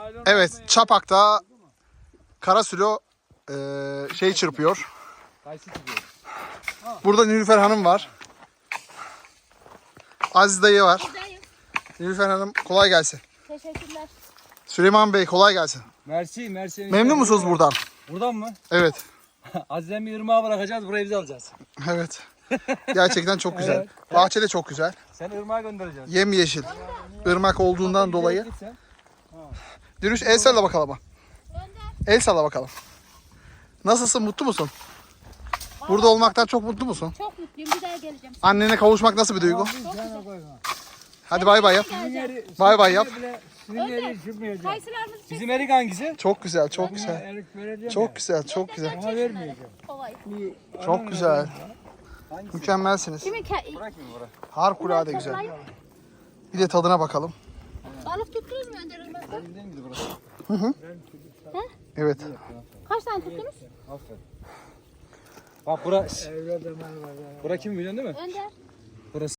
Evet, Çapak'ta Karasülo çırpıyor. Burada Nilüfer Hanım var. Aziz dayı var. Buradayım. Nilüfer Hanım kolay gelsin. Teşekkürler. Süleyman Bey kolay gelsin. Mersi. Memnun musunuz buradan? Buradan mı? Evet. Aziz'den bir ırmağa bırakacağız, burayı biz alacağız. Evet. Gerçekten çok güzel. Evet. Bahçe de çok güzel. Sen ırmağa göndereceğiz. Yemyeşil. Irmak olduğundan dolayı. Sen. Dürüş el salla bakalım. Önder. El salla bakalım. Nasılsın? Mutlu musun? Burada olmaktan çok mutlu musun? Çok mutluyum. Bir daha geleceğim. Annene kavuşmak nasıl bir duygu? Hadi bay bay yap. Geleceğim. Bay bay yap. Kayısılarımızı çek. Bizim erik hangisi? Çok güzel, çok güzel. Erik vereceğim. Çok güzel, çok güzel. Ona vermeyeceğim. Ovayı. Çok güzel. Hangisi? Mükemmelsiniz. Kimin Bırak mı bırak? Harikulade güzel. Bir de tadına bakalım. Balık tuttunuz mu Önder Irmak'ta? Değil miydi burası? Evet. Kaç tane tuttunuz? Aferin. Bak burası. Bura kim biliyorsun değil mi? Önder. Burası.